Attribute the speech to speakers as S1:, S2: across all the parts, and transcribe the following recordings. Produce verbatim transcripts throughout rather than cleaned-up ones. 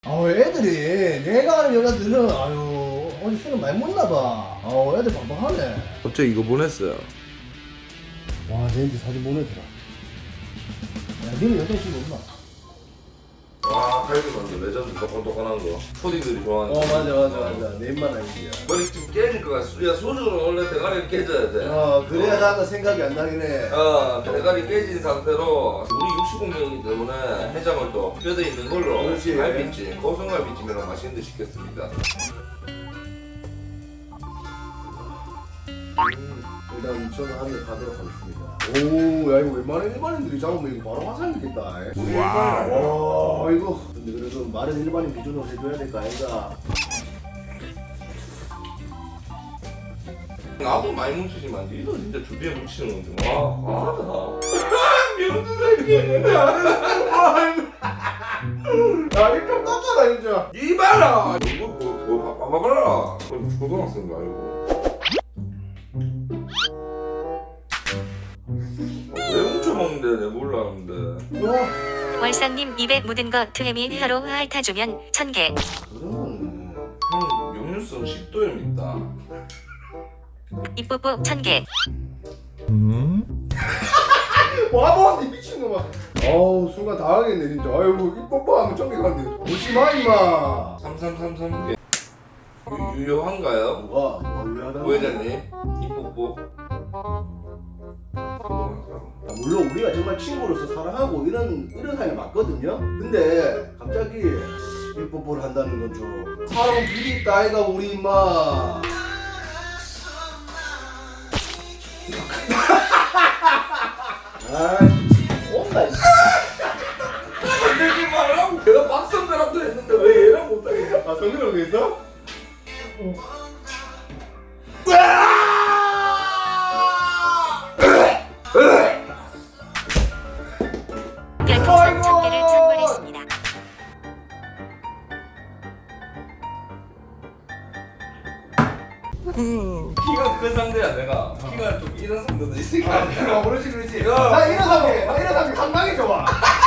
S1: 아 애들이 내가 아는 여자들은 아유 어제 술을 많이 먹나봐. 아 애들 방방하네.
S2: 갑자기 이거 보냈어요.
S1: 와 내한테 사진 보내더라. 야 니는 여자친구 없나?
S2: 와 칼비 맞네. 레전드 똑똑똑한 거. 초딩들이 좋아하는.
S1: 어 맞아 맞아 맞아 내 입만 아니지.
S2: 머리 좀 깨질 것 같아. 야 소주는 원래 대가리를 깨져야 돼.
S1: 어 그래야 나가 생각이 안 나긴 해.
S2: 어, 대가리 깨진 상태로 우리 육십 공명이기 때문에 해장을 또 뼈대 있는 걸로
S1: 그렇지.
S2: 갈비찜, 고성갈비찜이랑 맛있는 데 시켰습니다.
S1: 일단 저는 하늘 가도록 하겠습니다. 오야 이거 웬만한 일반인들이 잡으면 이거 바로 화상이겠다. 와우. 와 이거 근데 그래도 말은 일반인 기준으로 해줘야 될까 아이가.
S2: 나도 많이 뭉치지만 니도 진짜 주비에 뭉치는 건데 와 과하다. 명수 새끼.
S1: 야 이거 떴잖아 진짜.
S2: 이 봐라. 이거 뭐, 뭐 봐봐라. 초등학생도 아니고. 왜 뭉쳐먹는데 내가 몰랐는데.
S1: 와
S3: 월상님 입에 묻은 거 트레미 혀로 핥아주면 천 개.
S1: 그런 거는.
S2: 형 역류성 식도염 있다.
S3: 입뽀뽀 천 개.
S1: 와봐 니 미친놈아. 어우 순간 당하겠네 진짜. 아이고 이 뽀뽀하면 ጮ미간데 오지마 임마.
S2: 삼삼삼삼 개. 유- 유효한가요?
S1: 뭐가 뭐가 유하다.
S2: 부회장님 이뽀뽀.
S1: 아, 물론 우리가 정말 친구로서 사랑하고 이런 이런 사이 맞거든요. 근데 갑자기 이 뽀뽀를 한다는 건 좀 사람 길이 있다 아이가 우리 임마. 아 온다.
S2: 건들지 말라고. 내가 박선배랑도 했는데 왜 얘랑 못하겠냐?
S1: 아 성근이 왜 있어?
S3: 별풍선 천 개를 선물했습니다.
S2: 키가 큰 상대야 내가. 키가 좀 이런 상대도 있으니까.
S1: 아 그렇지 그렇지.
S2: 야.
S1: 나 이런 사람이 나 이런 사람이 상당히 좋아.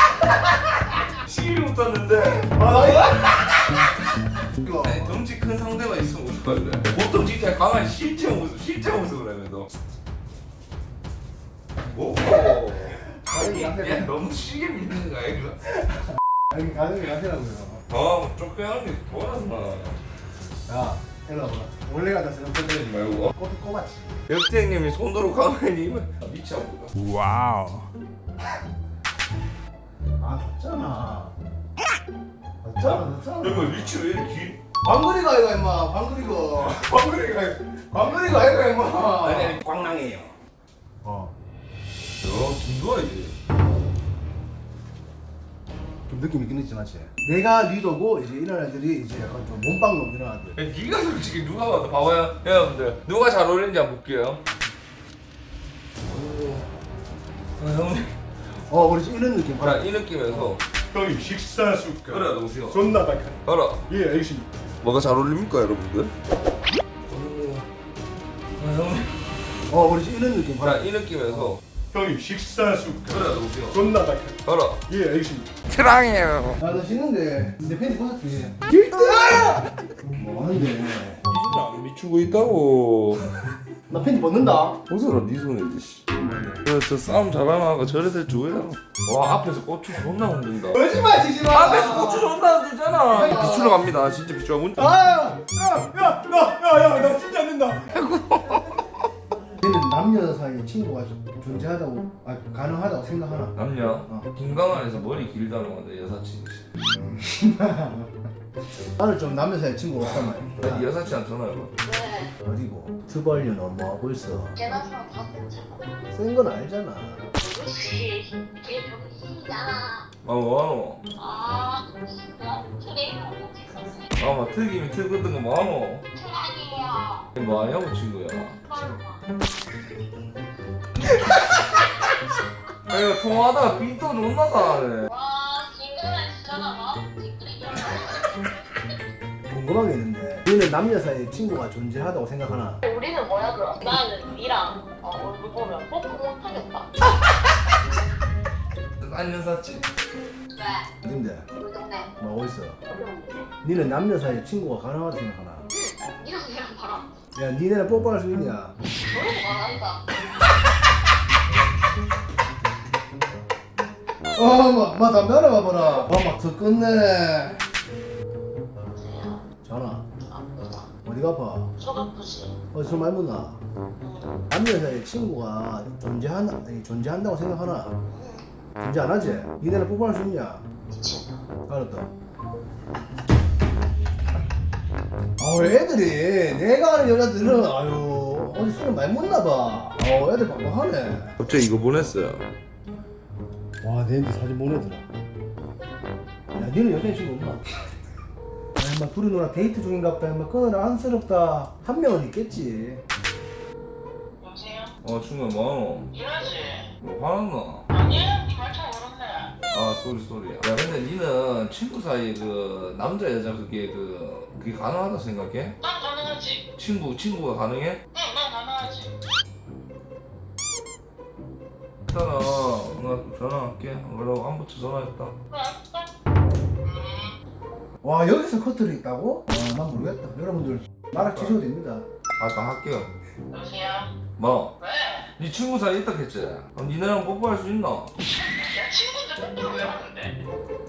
S2: 시기를 못하는데.
S1: 아나 이거.
S2: 아니 덩치 큰 상대가 있으면 어떡할래? 보통 진짜 강한 실제 모습, 실제 모습을 하면서. 오. 아니 야 너무 시계 믿는 거 아이가?
S1: 아니 가능이 가시라고요.
S2: 아 쫓겨나는 게 돌았나?
S1: 야 일로 와봐. 원래 같아 생각했더니
S2: 말고.
S1: 꽃이 꼽았지.
S2: 역태 형님이 손으로 가만히 입은 미쳐 보다.
S4: 와우.
S1: 아 졌잖아. 졌잖아 졌잖아.
S2: 여기 위치 왜 이렇게 긴?
S1: 방글이가 아이가 임마 방글이가. 방글이가 방글이가 아이가 임마.
S2: 아니 아니 광랑이에요.
S1: 어.
S2: 야 김도아 이제.
S1: 좀 느낌 있긴 있지 맞지? 내가 리더고 이제 이런 애들이 이제 약간 좀 몸빵놈 이런 애들.
S2: 야, 네가 솔직히 누가 봐도 봐봐요 여러분들 누가 잘 어울리는지 한번 볼게요. 아, 형님.
S1: 어 우리 지금 이런 느낌.
S2: 자, 이 느낌에서
S4: 형님 식사 숟갈.
S2: 그래 동시요.
S4: 존나 박하.
S2: 알아.
S4: 예 알겠습니다.
S2: 뭐가 잘 어울립니까 여러분들? 아, 형님.
S1: 어 우리 지금 이런 느낌.
S2: 자, 이 느낌에서
S4: 형님 식사 숟갈.
S2: 그래 동시요.
S4: 존나 박하.
S2: 알아.
S4: 예 알겠습니다.
S1: 아나 씻는데 내 팬티 벗었지. 길다. 뭐 하는데?
S2: 진짜 안 미추고 있다고.
S1: 나 팬티 벗는다.
S2: 벗어라 네 손이지 씨. 그래 저 싸움 잘하나 저래 될 줄이야. 와 앞에서 고추 존나 흔든다.
S1: 거짓말 치지 마.
S2: 앞에서 고추 존나 흔들잖아. 비추러 갑니다. 진짜 비추러 문.
S1: 아!
S4: 야야야야야나 진짜 안 된다.
S1: 얘는 남녀 사이에 친구가 좀 존재하다고, 아 가능하다고 생각하나?
S2: 남녀.
S1: 어.
S2: 김강환에서 머리 길다는 건데 여사친이시.
S1: 나는 좀 남녀 사이에 친구가 없단 말이야.
S2: 나 여사친한테 전화해봐.
S1: 어디고? 트벌류는 뭐 하고 있어?
S5: 계란사랑 다 괜찮아.
S1: 센 건 알잖아.
S5: 그렇지. 걔 병신이잖아.
S2: 아 뭐하노?
S5: 아, 나 트레이너를 찍었어.
S2: 아막 특임이 특거든 거 뭐하노?
S5: 트라이에요.
S2: 뭐하냐고 친구야. 아 이거 통화하다가 빈도 존나 사네.
S5: 와, 징그러운 진짜나 봐.
S1: 궁금한 게 있는데 너는 남녀 사이에 친구가 존재하다고 생각하나?
S5: 우리는 뭐야 그럼? 나는 니랑 어, 얼굴 보면 뽀뽀 못하겠다.
S2: 난 여사친.
S5: 왜?
S1: 어딘데?
S5: 우리 동네.
S1: 뭐 어딨어?
S5: 어려운데?
S1: 니는 남녀 사이에 친구가 가능하다 생각하나?
S5: 니랑 얘랑 봐라.
S1: 야 니네는 뽀뽀할 수 있냐?
S5: 너무 말한다.
S1: 어마 마 담배 하나 봐봐라. 어마 더 끝내.
S5: 여보세요?
S1: 전화
S5: 아프다.
S1: 어디가 아파?
S5: 속 아프지?
S1: 어디서 말 묻나?
S5: 응.
S1: 남녀 사이에 친구가 존재한다 아니, 존재한다고 생각하나?
S5: 응.
S1: 존재 안 하지? 니네는 뽀뽀할 수 있냐?
S5: 미친다.
S1: 알았다. 아 애들이 내가 아는 여자들은 아유 어디 술을 많이 먹나 봐. 어 애들 빡빡하네.
S2: 갑자기 이거 보냈어요.
S1: 와 내한테 사진 보내더라. 야 니는 여자친구 없나? 아 인마 둘이 누나 데이트 중인갑다. 인마 끊으라 안쓰럽다. 한 명은 있겠지.
S5: 여보세요?
S2: 어 친구야 뭐하노?
S5: 일하지?
S2: 뭐 화났나?
S5: 아니? 니말참 모르네.
S2: 아 쏘리 쏘리. 야 근데 니는 친구 사이 그 남자 여자 그게 그 그게 가능하다 생각해?
S5: 난 가능하지.
S2: 친구 친구가 가능해?
S5: 응, 난 가능하지.
S2: 일단은 나 전화할게. 그러고 한 부터 전화했다.
S5: 그래, 알았어.
S1: 와 여기서 커트를 있다고? 아난 모르겠다. 여러분들 말아 치셔도 됩니다.
S2: 아까 할게요.
S5: 여보세요?
S2: 뭐?
S5: 왜?
S2: 니 친구 사이 있다 했지? 그럼 니네랑 뽀뽀할 수 있나?
S5: 야, 친구인데 뽀뽀를 왜 하는데?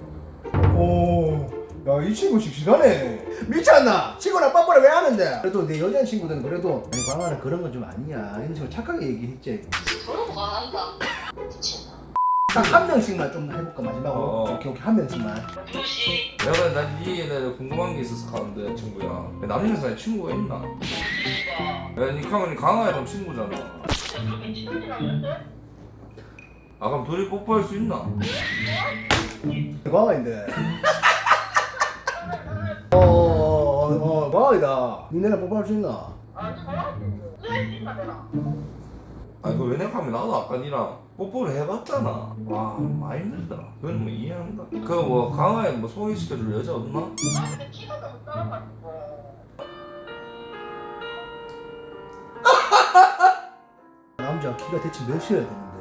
S1: 오야 이 친구 씩씩하네. 미쳤나? 친구랑 뽀뽀를 왜 하는데? 그래도 내 여자친구들은 그래도 아니 광아는 그런 건 좀 아니야. 이런 식으로 착하게 얘기했지.
S5: 너무 말한다. 미친다.
S1: 딱 한 명씩만 좀 해볼까 마지막으로.
S2: 어.
S1: 오케이 오케이 한 명씩만.
S5: 누구시?
S2: 내가 난니 얘네 궁금한 게 있어서 가는데 친구야. 남녀 사이 친구가 있나?
S5: 누구시가?
S2: 야니 강은이 강아이랑 친구잖아.
S5: 그렇게 친구라는데?
S2: 아 그럼 둘이 뽀뽀할 수 있나?
S1: 광아인데. 어어어 광아이다. 니네랑 뽀뽀할 수 있나?
S5: 아, 저라고. 왜 있나, 내가?
S2: 아니 그 왜냐하면 나도 아까 니랑 뽀뽀를 해봤잖아. 와 많이 힘들다. 그건 뭐 이해한다. 그 뭐 강아이 뭐 소개시켜줄 여자 없나?
S5: 나 근데 키가 너무 작아가지고.
S1: 남자 키가 대체 몇이어야 되는데?